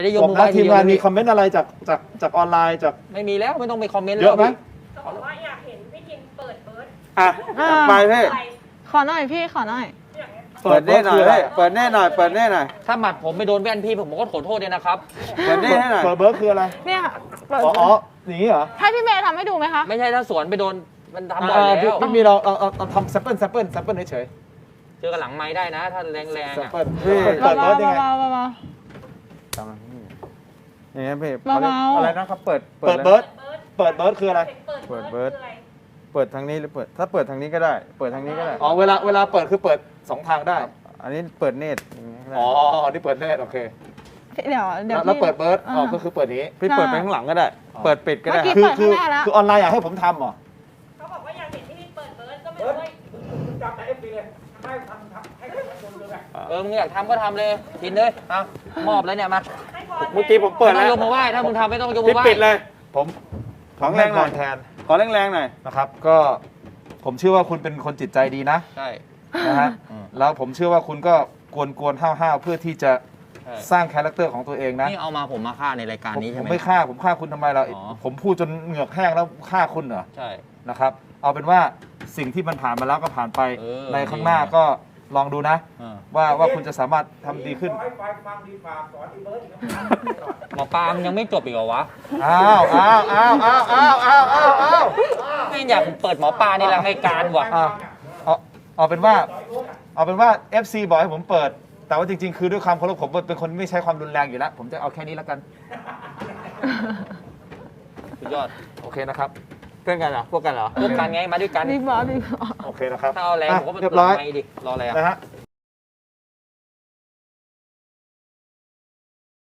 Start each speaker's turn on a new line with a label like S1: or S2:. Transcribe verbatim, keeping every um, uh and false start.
S1: ได้ยก
S2: บอก
S1: มือ
S2: ว่า
S1: ไหว้
S2: ทีมงาน
S1: เดียว
S2: มีคอมเมนต์อะไรจากจากจากออนไลน์จาก
S1: ไม่มีแล้วไม่ต้องไปคอมเมนต์
S2: เยอะไหม
S3: เขาบอกว่าอยากเห็นพี่ทิมเปิดเบิร์ด
S4: อ่ะไปพี่
S3: อะไร
S5: ขอหน่อยพี่ขอหน่อย
S4: เปิดแน่หน่อยพี่เปิดแน่หน่อยเปิดแน่หน่อย
S1: ถ้าหมัดผมไม่โดนแว่นพี่ผมก็ขอโทษด้วยนะครับ
S4: เปิดแน่ให้หน่อย
S2: เปิดเบิร์ดคืออะไร
S5: เนี่ยค่ะเปิด
S2: อ๋ออ๋ออย่างนี้เหรอ
S5: ให้พี่เมย์ทำให้ดูไหมคะ
S1: ไม่ใช่ถ้าสวนไปโดนมันทำบ่อย
S2: อ่า
S1: แล้ว
S2: พี่มีเราเอาเอาเอาทำแซมเปิลแซมเปิลแซมเปิลเฉย
S1: เจอกันหลังไม้ได้นะ ถ้าแรง
S2: ๆ
S1: ๆ
S2: แซม
S1: อ่ะ
S2: เปิลเปิด
S5: เบา
S2: เบิร์ดยังไง
S5: ๆเบาๆเบา
S4: อย่างเงี้ยพี่
S5: เบาๆ
S4: อะไรนะครับเปิด
S2: เปิดเบิร์ดเปิดเบิร์ดคืออะไร
S3: เปิดเบิร์ดคืออะไร
S4: เปิดทางนี้หรือเปิดถ้าเปิดทางนี้ก็ได้ เปิดทางนี้ก็ได้
S2: อ๋อเวลาเวลาเปิดคือเปิดสองทางได้
S4: อันนี้เปิดเนตรอย่างเงี้ยก็ได้
S2: อ๋ออันนี้เปิดแน่โอเค
S5: พี่เดี๋ยวเดี๋ยว
S2: แล้ว
S5: พี่
S2: เปิดเบิร์ดอ๋อ
S5: อ่า
S2: ก็คือเปิดนี้
S4: พี่เปิดไปข้างหลังก็ได้ เปิดปิดก็ได้
S5: เมื่อกี้
S2: คือ
S5: เปิด
S2: คือ
S5: ข้างหน้าแล้ว
S2: คือออนไลน์อยากให้ผมทำเหรอ
S3: เขาบอกว่าอยากเห็นพี่ทิมเปิดเบิร์ดก็ไม่รู้ว่า
S1: เออมึงอยากทำก็ทำเลยทินเลยเอามอบแล้วเนี่ยมา
S3: ให้พร
S4: เมื่อกี้ผมเปิด
S1: ไม่ต้
S4: แล้
S1: อง
S4: วย
S1: กมือไหว้ถ้ามึงทำไม่ต้องยกมื
S4: พี่
S1: อไหว้
S4: ปิดเลย
S2: ผม
S4: ของแรงหน่อย
S2: แทน
S4: ขอแรงๆหน่อย
S2: นะครับ ก็ผมเชื่อว่าคุณเป็นคนจิตใจดีนะ
S1: ใช่
S2: นะฮะ
S1: อืม
S2: แล้วผมเชื่อว่าคุณก็กวนกวนห้าวห้าวๆเพื่อที่จะ
S1: ใช่
S2: สร้างคาแรคเตอร์ของตัวเองนะ
S1: นี่เอามาผมมาฆ่าในรายการ
S2: ผม
S1: นี้
S2: ผ
S1: ใช่
S2: ม
S1: ไหม
S2: ไม่ฆ่าผมฆ่าคุณทำไมเรา
S1: อ๋อ
S2: ผมพูดจนเหงือกแห้งแล้วฆ่าคุณเหรอ
S1: ใช่
S2: นะครับ เอาเป็นว่าสิ่งที่มันผ่านมาแล้วก็ผ่านไป
S1: เออ
S2: ในข้างหน้าก็ลองดูนะ
S1: เออ
S2: ว่าว่าคุณจะสามารถทำดีขึ้น
S1: หมอปลามันยังไม่จบอีกเหรอวะ
S2: อ้าวอ้าวอ้าวอ้าวอ้าวอ้าวอ้าวอ้าว
S1: ไม่อยากเปิดหมอปลาในรายการว่ะ
S2: อ่ะเอาเอาเป็นว่า เอาเป็นว่า เอฟ ซี บอกให้ผมเปิด แต่ว่าจริงๆ คือด้วยความเคารพผมเป็นคนไม่ใช้ความรุนแรงอยู่แล้ว ผมจะเอาแค่นี้แล้วกัน
S1: สุดยอด
S2: โอเคนะครับ
S4: เพื่อนกันเหรอพวกกันเหรอ
S1: พวกกันไงมาด้วยกัน
S5: บิ๊กบอสบิ๊กบอส
S2: โอเคนะครับ
S1: ถ้าเอาแรงผมก็ไป
S2: เรียบ
S1: เปิด
S2: ร้อย
S1: ไมค์ดิรออะไรอ่ะ
S2: นะฮะ